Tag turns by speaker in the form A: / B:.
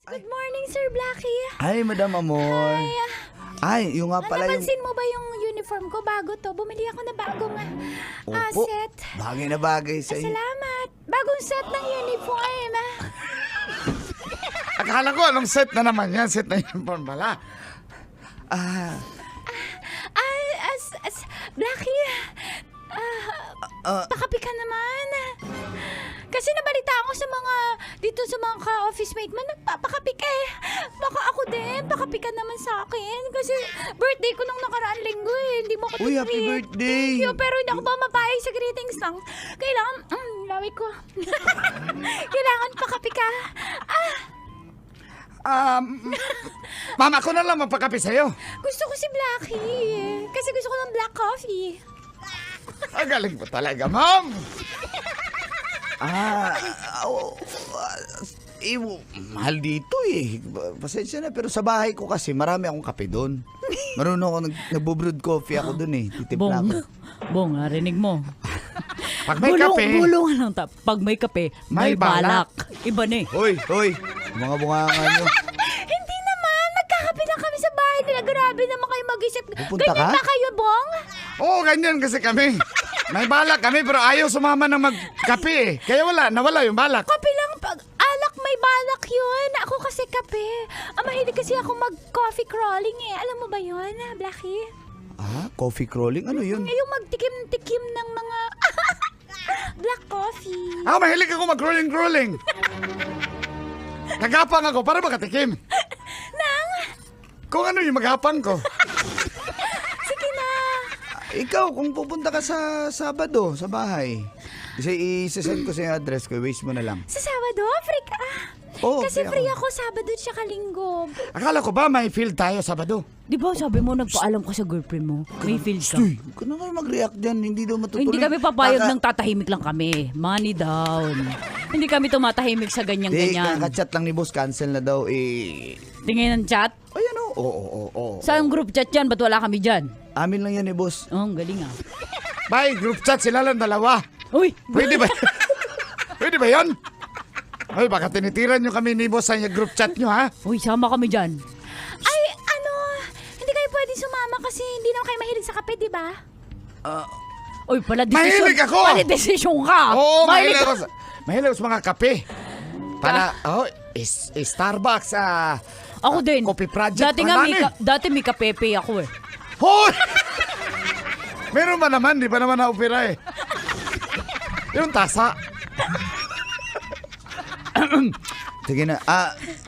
A: Good morning, Sir Blackie.
B: Ay, Madam Amor. Ay, yung nga pala yung...
A: Napansin mo ba yung uniform ko? Bago to. Bumili ako na bagong
B: Opo,
A: set.
B: bagay na bagay sa iyo.
A: Salamat. Bagong set ng uniform.
C: Akala ko anong set na naman yan. Set na uniform pala.
A: Blackie, pakapi ka naman. Kasi nabalita ako sa mga, dito sa mga ka-office mate mo, nagpapakapi ka eh. Baka ako din, pakapi ka naman sa akin. Kasi birthday ko nung nakaraan linggo eh. Hindi mo ko
B: Uy, happy birthday.
A: Thank you, pero hindi ako ba mapayag sa greetings lang. Kailangan, lawi ko. Kailangan pakapi ka.
C: Mama ko na lang magpakape sa'yo.
A: Gusto ko si Blackie. Kasi gusto ko ng black coffee.
C: Ang galing mo talaga, ma'am.
B: Mahal dito eh. Pasensya na, pero sa bahay ko kasi marami akong kape doon. Marunong ako, nagbo-brewed coffee ako doon eh. Titimpla ako.
D: Bong, narinig mo.
C: Pag may kape,
D: Bulungan lang ta. Pag may kape, may balak. Iba na eh.
B: Hoy, mga bunganga nyo.
A: Hindi naman. Magkakape lang kami sa bahay nila. Grabe naman kayo mag-isip.
B: Pupunta
A: Ganyan
B: ka?
A: ba kayo, Bong?
C: oo, ganyan kasi kami. May balak kami pero ayaw sumama ng magkape eh. Kaya nawala yung balak.
A: Kape lang. Alak may balak yun. Ako kasi kape. Mahilig kasi ako mag-coffee crawling eh. Alam mo ba yun, Blackie?
B: Coffee crawling? Ano yun?
A: Yung magtikim-tikim ng mga black coffee.
C: Ako mahilig ako mag-rolling. Nagapang ako para makatikim. Kung ano yung maghapang ko.
A: Sige na.
B: Ikaw, kung pupunta ka sa Sabado, sa bahay, isasend ko sa yung address ko, waste mo na lang.
A: Sa Sabado, free ka.
B: Oo,
A: Kasi
B: free
A: free
B: ako.
A: ako Sabado tsaka Linggo.
C: Akala ko ba may field tayo Sabado?
D: Di ba sabi mo nagpaalam ka sa girlfriend mo? May feel ka.
B: Uy, huwag ka na kayo mag-react dyan, hindi daw matutuloy.
D: Hindi kami papayag ng tatahimik lang kami. Money down. Hindi kami tumatahimik sa
B: Hindi,
D: ganyan-ganyan.
B: kakachat lang ni boss, cancel na daw eh.
D: Tingin ng chat.
B: Ayan o. Oo.
D: Saan group chat yan? Ba't wala kami dyan?
B: Amin lang yan eh, boss.
D: Oh, ang galing ah.
C: Bye, group chat sila lang dalawa.
D: Uy!
C: Pwede ba? Pwede ba yun? Ay, baka tinitiran nyo kami ni boss sa group chat nyo, ha?
D: Uy, sama kami dyan.
A: Ay, hindi kayo pwede sumama kasi hindi naman kayo mahilig sa kape, di ba?
D: Uy, pala desisyon.
C: Mahilig ako!
D: Pala desisyon ka!
C: Oo,
D: Mahilig
C: mahilig
D: ka.
C: ako. Mahilig ako sa mga kape. Para, Starbucks,
D: Ako din.
C: Coffee Project.
D: Dati nga,
C: Marami.
D: dati may kapepe ako eh.
C: Hoy! Meron ba naman? Di ba naman na-opera eh? Yung tasa.
B: Sige na.